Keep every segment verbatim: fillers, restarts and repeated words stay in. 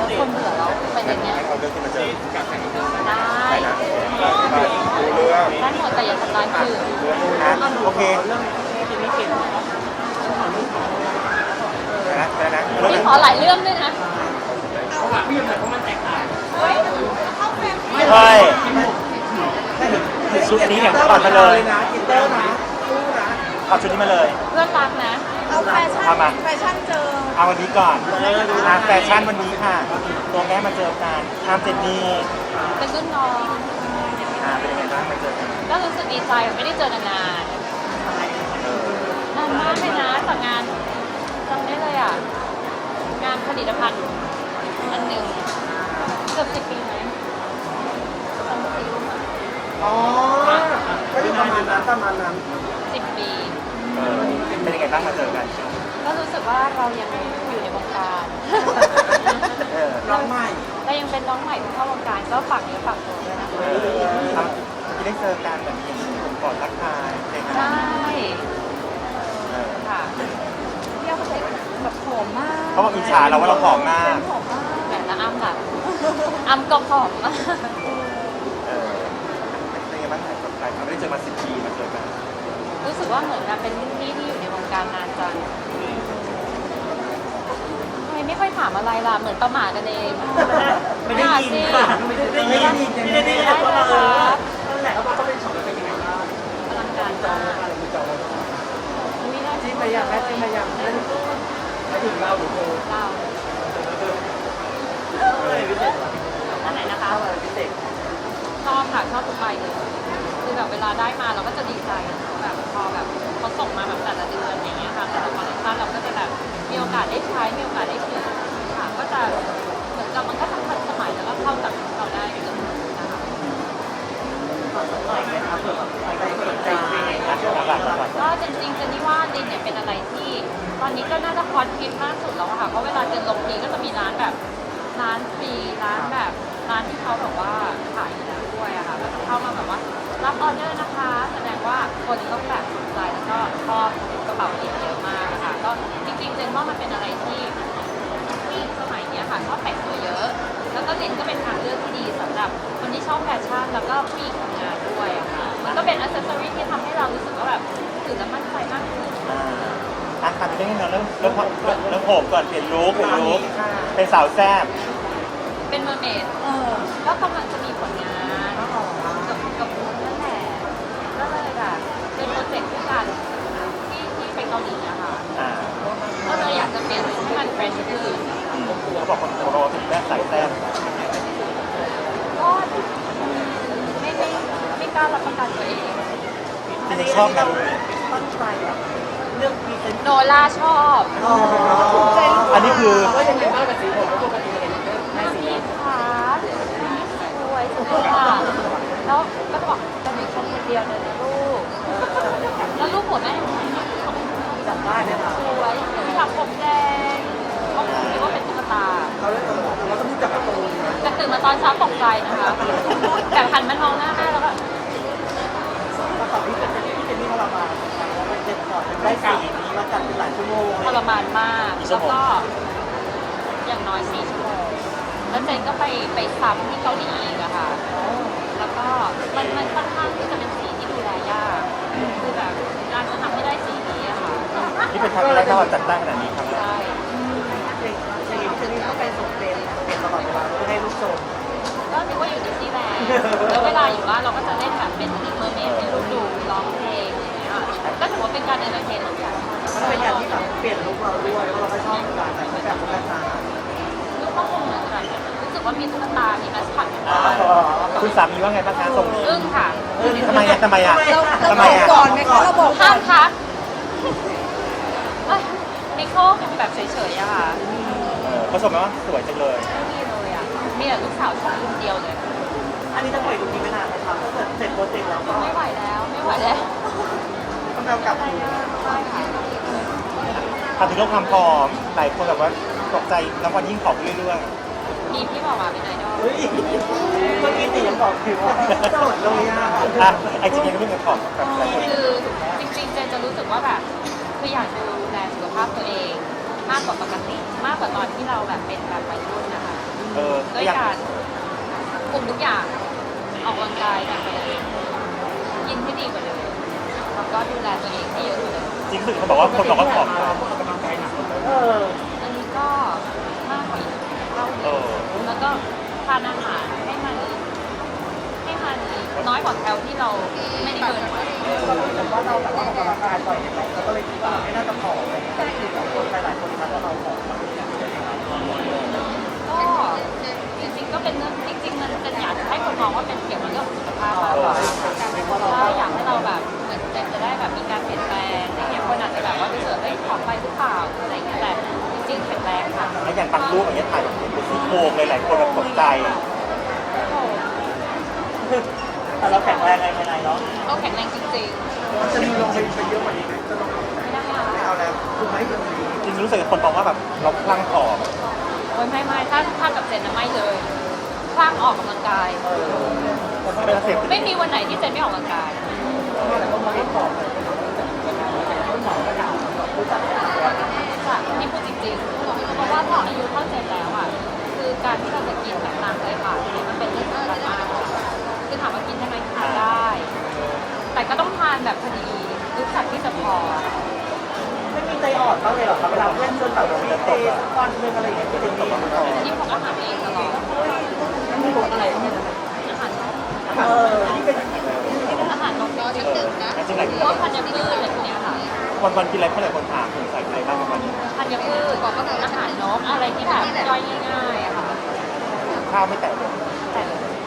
คนเบื่อแล้วเป็นอย่างเงี้ยให้เขาเลือกที่มาเจอได้นะดูเรื่องได้หมดแต่อย่าทำร้ายคนอื่นเรื่องนะโอเคนะนะนะนี่ขอหลายเรื่องด้วยนะใช่ชุดนี้อย่างถอดมาเลยถอดชุดนี้มาเลยเพื่อนรักนะเอาแฟชั่นเอามาแฟชั่นเจอเอาวันนี้ก่อนอ่ะแฟชั่นวันนี้ค่ะ ตัวแม่มาเจอกันทามเจนนี่เป็นรุ่นน้องอ่าเป็นยังไงบ้างมาเจอกันก็รู้สึกดีใจไม่ได้เจอกันนานนานมากเลยนะจากงานจำได้เลยอ่ะงานผลิตภัณฑ์อันหนึ่งเกือบสิบปีไหมจำไม่รู้อ่ะอ๋อก็อยู่ประมาณนั้นประมาณนั้นสิบปีเออเป็นยังไงบ้างมาเจอกันก็รู้สึกว่าเรายังอยู่ในวงการเออน้องใหม่เรายังเป็นน้องใหม่ที่เข้าวงการก็ฝากเนื้อฝากตัวด้วยนะคะเออทำที่ได้เจอกันแบบนี้ผมกอดทักทายเจอกันใช่เออค่ะเที่ยวเขาแบบผอมมากเขาบอกอิจฉาเราว่าเราผอมมากผอมมากแต่ละอ้ำล่ะอ้ำก็ผอมมากเออเป็นยังไงบ้างไหนกับใครไม่ได้เจอมาสิบปีมาเจอกันรู้สึกว่าเหมือนกับเป็นรุ่นพี่ที่อยู่ในวงการนานจังทำไมไม่ค่อยถามอะไรล่ะเหมือนประหม่ากันเองไม่ได้ยินค่ะไม่ได้ยินไม่ได้ยินได้เลยครับนั่นแหละว่าเขาเป็นช็อตเป็นยังไงบ้างอลังการมากอะไรมีจอไม่ได้จิ้มไปยังแม่จิ้มไปยังไม่ถึงเราหรือเธอเราอะไรพิเศษอันไหนนะคะอะไรพิเศษชอบค่ะชอบทุกใบเลยคือแบบเวลาได้มาเราก็จะดีใจแบบพอแบบเขาส่งมาแบบแต่ละเดือนอย่างเงี้ยค่ะแต่ละคอลเลคชันเราก็จะแบบมีโอกาสได้ใช้มีโอกาสได้ซื้อค่ะก็จะเหมือนกับมันก็ทันสมัยแล้วก็เข้ากับเราได้เกือบนะคะหน่อยไหมครับเผื่อแบบใครสนใจก็จริงๆเจนนี่ว่าดินเนี่ยเป็นอะไรที่ตอนนี้ก็น่าจะฮอตฮิตมากสุดแล้วอะค่ะเพราะเวลาเจนลงทีก็จะมีร้านแบบร้านฟรีร้านแบบร้านที่เขาแบบว่าขายอยู่แล้วด้วยอะค่ะก็จะเข้ามาแบบว่ารับออเดอร์นะคะ แสดงว่าคนต้องแบบสนใจแล้วก็ชอบกระเป๋าดินเยอะมากอะค่ะก็จริงๆเจนว่ามันเป็นอะไรที่ที่สมัยเนี้ยค่ะชอบแต่งตัวเยอะ แล้วก็ดินก็เป็นทางเลือกที่ดีสำหรับคนที่ชอบแฟชั่นแล้วก็ผู้หญิงทำงานด้วยอะค่ะมันก็เป็นอัซเซสซอรี่ที่ทำให้เรารู้สึกว่าแบบถือแล้วมั่นใจมากขึ้นอ่าอ่ะทำได้ไงเนาะเริ่มเริ่มเริ่มผมก่อนเปลี่ยนลุคเปลี่ยนลุคเป็นสาวแซ่บเป็นเมอร์เมดเออก็กำลังจะมีผลงานกับกับคุณนั่นแหละก็เลยแบบเป็นโปรเจกต์ที่กันที่ที่ไปเกาหลีอะค่ะอ่าก็เลยอยากจะเปลี่ยนให้มันเฟรชขึ้นอืมเขาบอกคนโตถึงแม่สายแซ่บก็ไม่ไม่ไม่กล้ารับประกันตัวเองจริงๆชอบนะตั้งใจแบบเรื่องพรีเซนต์โนล่าชอบอ๋ออันนี้คือก็ยังไงบ้างกับสีผมปกติเห็นแม่สีพี่ขาสวยจังเลยอะแล้วก็บอกจะมีคนคนเดียวเลยนะลูกแล้วลูกหัวแม่จำได้เนี่ยค่ะสวยที่ทำผมแดงเขาคิดว่าเป็นตุ๊กตาเขาเลยต้องบอกเราต้องรู้จักการ์ตูนนะแต่ตื่นมาตอนเช้าตกใจนะคะแต่หันมามองหน้าแม่แล้วก็แล้วตอนที่เป็นที่เป็นนี่เขาเรามาแล้วมันเจ็บก่อนได้สีนี้มาจัดเป็นหลายชั่วโมงทรมานมากแล้วก็อย่างน้อยสี่ชั่วโมงแล้วเจนก็ไปไปซ้ำที่เกาหลีอีกอะค่ะ แล้วก็มันมันค่อนข้างที่จะเป็นสีที่ดูแลยากคือแบบการจะทำให้ได้สีนี้อะค่ะนี่เป็นครั้งแรกที่เราจัดตั้งขนาดนี้ครั้งแรกใช่อย่างนี้จะนี่ต้องไปส่งเต็มเต็มตลอดเวลาเพื่อให้ลูกชมก็นึกว่าอยู่ดิสนีย์แลนด์แล้วเวลาอยู่บ้านเราก็จะเล่นแบบเป็นทีมเมอร์เมดให้ลูกดูร้องเพลงอย่างเงี้ยก็ถือว่าเป็นการเอนเตอร์เทนเหมือนกันมันเป็นอย่างที่แบบเปลี่ยนลุคเราด้วยเพราะเราก็ชอบการแต่งแบบตุ๊กตาลูกก็คงเหมือนกันรู้สึกว่ามีตุ๊กตา มีมัสคอตอยู่อ่าบ้านคุณสามีว่าไงบ้างคะตรงนี้อึ้งค่ะทำไมอ่ะทำไมอ่ะเราทำไมบอกอ่ะก่อนไหมคะเราบอกก่ห้าอมนทักนิโคลเป็นแบบเฉยๆอะค่ะเออเขาชมไหมว่าสวยจังเลยไม่มีเลยอะมีแต่ลูกสาวชมคนเดียวเลยอันนี้จะปล่อยลุคนี้ไม่นานนะครับถ้าเกิดเสร็จโปรเจกต์แล้วก็ไม่ไหวแล้ว ไม่ไหวแล้วต้องเอากลับใช่ค่ะทำถึงเรื่องความผอมหลายคนแบบว่าตกใจน้ำวันยิ่งผอมเรื่อยมีพี่บอกมาเป็นไอดอลเฮ้ยเมื่อกี้ตียังบอกผิวว่าโสดเลยอ่ะๆอ่ะไอจริงๆยังไม่เป็นผอมแบบหลายคนคือจริงๆเจนจะรู้สึกว่าแบบคืออยากดูแลสุขภาพตัวเอง มากกว่าปกติ มากกว่าตอนที่เราแบบเป็นแบบวัยรุ่นนะคะด้วยการคุมทุกอย่างออกกำลังกายแบบเดิมกินให้ดีกว่าเดิมแล้วก็ดูแลตัวเองให้เยอะกว่าเดิมจริงสึกเขาบอกว่าคนบอกว่าผอมเอออันนี้ก็มากกว่าอีกเท่าหนึเอง อแล้วก็ทานอาหารให้มันให้มันน้อยกว่าแคลที่เราไม่ได้เกินไว้เรารู้สึกว่าเราแบบว่าออกกำลังกายบ่อยไหมเราก็เลยคิดว่าไม่น่าจะผอมอะไรอย่างเงี้ยแต่จริงๆคนหลายๆคนทักว่าเราผอมเราไม่อยากจะทำก็จริงๆก็เป็นเรื่องจริงๆมันเป็นอยากให้คนมองว่าเป็นเกี่ยวกับเรื่องของสุขภาพมากกว่าใช่อยากให้เราแบบเหมือนจะได้แบบมีการเปลี่ยนแปลงอย่างเงี้ยคนอาจจะแบบว่ารู้สึกเอ้ยผอมไปหรือเปล่าอะไรอย่างเงี้ยแต่จริงๆแข็งแรงค่ะแล้วอย่างบางรูปอย่างเงี้ยถ่ายแบบเป็นซี่โครงเลยหลายคนแบบตกใจแต่เราแข็งแรงไงภายในเนาะก็แข็งแรงจริงมันจะมีลงไปเยอะกว่านี้ไหมจะลงๆไม่ได้ไม่ค่ะเอาแล้วคือไม่แบบนี้จริงๆรู้สึกคนมองว่าแบบเราคลั่งผอมโอ้ยไม่ไม่ถ้าถ้ากับเจนนะไม่เลยคลั่งออกกำลังกายไม่ต้องเสพไม่มีวันไหนที่เจนไม่ออกกำลังกายแต่ก็มองไม่ผอมเลยคุณหมอก็ถามแบบรู้จักไหมค่ะนี่พูดจริงๆเพราะว่าพออายุเท่าเจนแล้วอ่ะคือการที่เราจะกินแบบตามใจปากเนี่ยมันเป็นเรื่องสำคัญมากคือถามว่ากินได้ไหมทานได้ แต่ก็ต้องทานแบบพอดีรู้จักที่จะพอไม่มีใจอ่อนบ้างเลยเหรอครับเวลาเพื่อนชวนแบบมีเตะวันหนึ่งอะไรอย่างเงี้ยที่เป็นตกมาต่อที่พกอาหารเองตลอดไม่รู้อะไรเนี่ยอาหารเออที่เป็นอาหารนมนิดนึงนะจริงๆหลายพวกธัญพืชอะไรพวกเนี้ยค่ะวันวันๆกินอะไรเพื่อนหลายคนถามถึงใส่อะไรบ้างวันนี้ธัญพืชอาหารนกอะไรที่แบบย่อยง่ายๆอะค่ะข้าวไม่แตะเลยแต่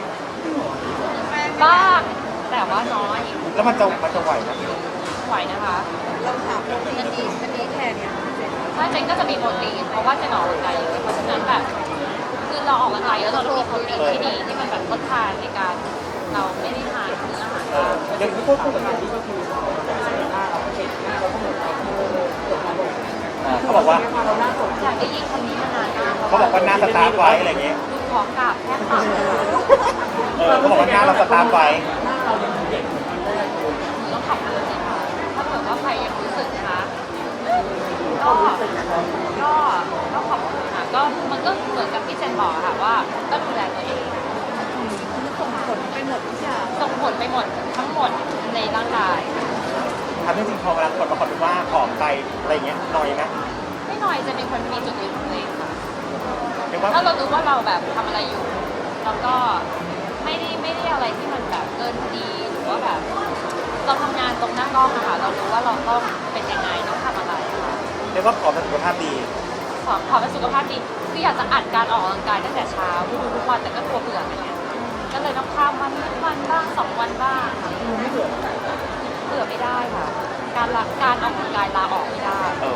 บ้างแต่ว่าน้อยแล้วมันจะมันจะไหวนะไหวนะคะเราถามโปรตีนดีอันนี้แค่เนี้ยเสร็จถ้าเจนก็จะมีโปรตีนเพราะว่าเจนออกกำลังกายเยอะเพราะฉะนั้นแบบคือเราออกกำลังกายแล้วเราต้องมีโปรตีนที่ดีที่มันแบบทดแทนในการเราไม่ได้ทานเนื้ออาหารเออเด็กที่พูดพูดแบบนี้ก็คือหน้าเราเห็นหน้าเราก็เหมือนเราเกิดมาบ่อยอ่าเขาบอกว่าเราหน้าสดอยากได้ยินคำนี้มานานมากเขาบอกว่าหน้าสตาร์ฟไว้อะไรเงี้ยดูของกราบแค่ปากเลยค่ะเออเขาบอกว่าหน้าเราสตาร์ฟไว้หน้าเรายังเด็กเหมือนกันได้หนูต้องขอบคุณเลยค่ะถ้าเกิดว่าใครยังรู้สึกนะคะก็ก็ก็ขอบคุณค่ะก็มันก็เหมือนกับที่เจนบอกอะค่ะว่าก็ดูแลตัวเองมันส่งผลไปหมดทุกอย่างส่งผลไปหมดทั้งหมดในร่างกายทำให้จริงๆพอเวลาคนมาคอมเมนต์ว่าผอมไปอะไรเงี้ยหน่อยนะไม่น้อยจะเป็นคนมีจุดยืนของตัวเองค่ะเรียกว่าถ้าเรารู้ว่าเราแบบทำอะไรอยู่ แล้วก็ไม่ได้ไม่ได้อะไรที่มันแบบเกินพอดีหรือว่าแบบเราทำงานตรงหน้ากล้องอะค่ะเรารู้ว่าเราต้องเป็นยังไงต้องทำอะไรค่ะเรียกว่าผอมแต่สุขภาพดีขอขอเป็นสุขภาพดีคืออยากจะอัดการออกกำลังกายตั้งแต่เช้าทุกทุกวันแต่ก็กลัวเบื่ออะไรเงี้ยก็เลยต้องข้ามวันนิดวันบ้างสองวันบ้างค่ะไม่เบื่อเบื่อไม่ได้ค่ะ การละการออกกำลังกายลาออกไม่ได้เออ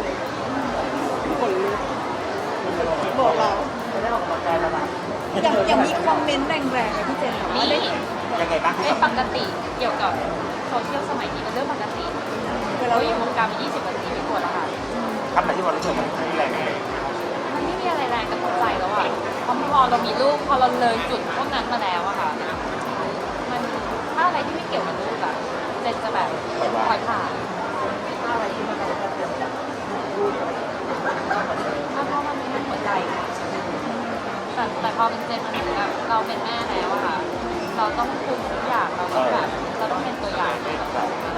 บอกเราไม่ได้ออกกำลังกายแล้วนะอย่างอย่างมีคอมเมนต์แรงๆเลยพี่เจนแบบว่าได้นี่ยังไงบ้างที่เป็นสำปคัญกติเกี่ยวกับโซเชียลสมัยนี้เป็นเรื่องปกติเวลาเราอยู่วงการมายี่สิบกว่าปีไม่ควรแล้วค่ะคำไหนที่มันรู้สึกมันแรงเลยมันไม่มีอะไรแรงกระทบใจแล้วอ่ะเพราะพอเรามีลูกพอเราเลยจุดพวกนั้นมาแล้วอะค่ะ มันถ้าอะไรที่ไม่เกี่ยวกับลูกอะเจนจะแบบปล่อยผ่านถ้าอะไรที่มันแบบถ้าเพราะมันมันหัวใจค่ะแต่แต่พอเป็นเจนมันเหมือนแบบเราเป็นแม่แล้วอะค่ะ เราต้องคุมทุกอย่างเราต้องแบบเราต้องเป็นตัวอย่างให้กับเรา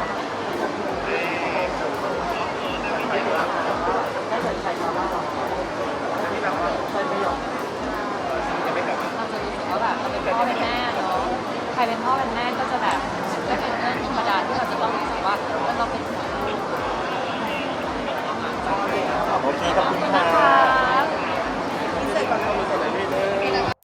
ได้เหมือนใครมาว่าเราที่แบบว่าใครไม่ยอมเราจะรู้สึกว่าแบบเราเป็นพ่อเป็นแม่เนาะใครเป็นพ่อเป็นแม่ก็จะแบบก็เป็นเรื่องธรรมดาที่เราจะต้องรู้สึกว่าเราเป็นห่วงลูกโอเคขอบคุณค่ะ